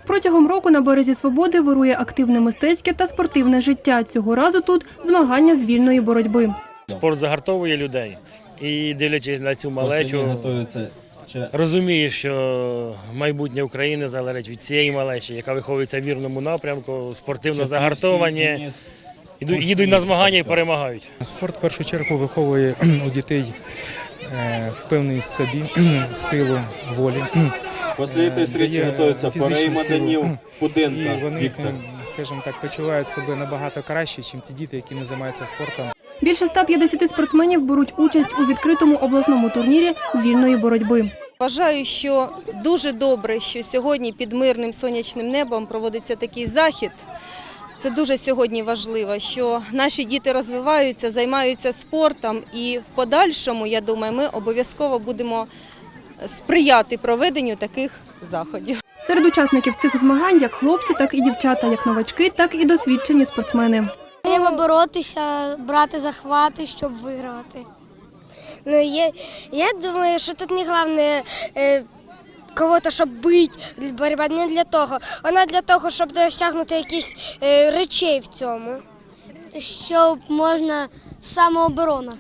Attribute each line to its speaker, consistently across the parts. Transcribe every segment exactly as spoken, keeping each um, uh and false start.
Speaker 1: Протягом року на березі Свободи вирує активне мистецьке та спортивне життя. Цього разу тут змагання з вільної боротьби.
Speaker 2: Спорт загартовує людей і, дивлячись на цю малечу, розумієш, що майбутнє України залежить від цієї малечі, яка виховується в вірному напрямку, спортивно загартовані, їдуть на змагання і перемагають.
Speaker 3: Спорт в першу чергу виховує у дітей впевненість в собі, силу волі.
Speaker 4: Після цієї зустрічі готуються пари Маданів, Пуденка,
Speaker 3: і вони,
Speaker 4: Віктор.
Speaker 3: скажімо так, почувають себе набагато краще, ніж ті діти, які не займаються спортом.
Speaker 1: Більше ста п'ятдесяти спортсменів беруть участь у відкритому обласному турнірі з вільної боротьби.
Speaker 5: Вважаю, що дуже добре, що сьогодні під мирним сонячним небом проводиться такий захід. Це дуже сьогодні важливо, що наші діти розвиваються, займаються спортом і в подальшому, я думаю, ми обов'язково будемо сприяти проведенню таких заходів.
Speaker 1: Серед учасників цих змагань як хлопці, так і дівчата, як новачки, так і досвідчені спортсмени.
Speaker 6: Треба боротися, брати захвати, щоб вигравати.
Speaker 7: Ну, я, я думаю, що тут не головне е, кого-то, щоб бити, боротьба не для того. Вона для того, щоб досягнути якісь е, речей в цьому.
Speaker 6: Щоб можна самооборона.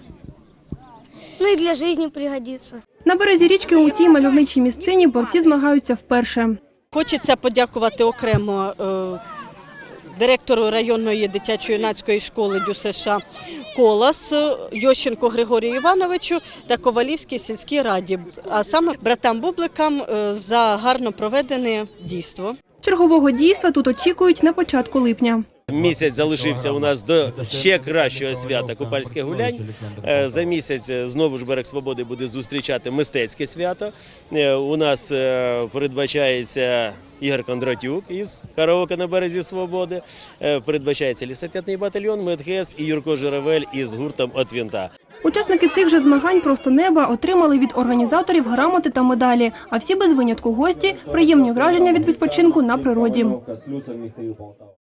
Speaker 6: Ну і для життя пригодиться.
Speaker 1: На березі річки у цій мальовничій місцині борці змагаються вперше.
Speaker 8: Хочеться подякувати окремо е, директору районної дитячо-юнацької школи ДЮСШ «Колос» Йощенко Григорію Івановичу та Ковалівській сільській раді, а саме братам Бубликам за гарно проведене дійство.
Speaker 1: Чергового дійства тут очікують на початку липня.
Speaker 9: Місяць залишився у нас до ще кращого свята – Купальських гулянь. За місяць знову ж Берег Свободи буде зустрічати мистецьке свято. У нас передбачається Ігор Кондратюк із «Караоке на березі Свободи», передбачається лісопетний батальйон «Медхес» і Юрко Журавель із гуртом «От винта».
Speaker 1: Учасники цих же змагань «Просто неба» отримали від організаторів грамоти та медалі, а всі без винятку гості – приємні враження від відпочинку на природі.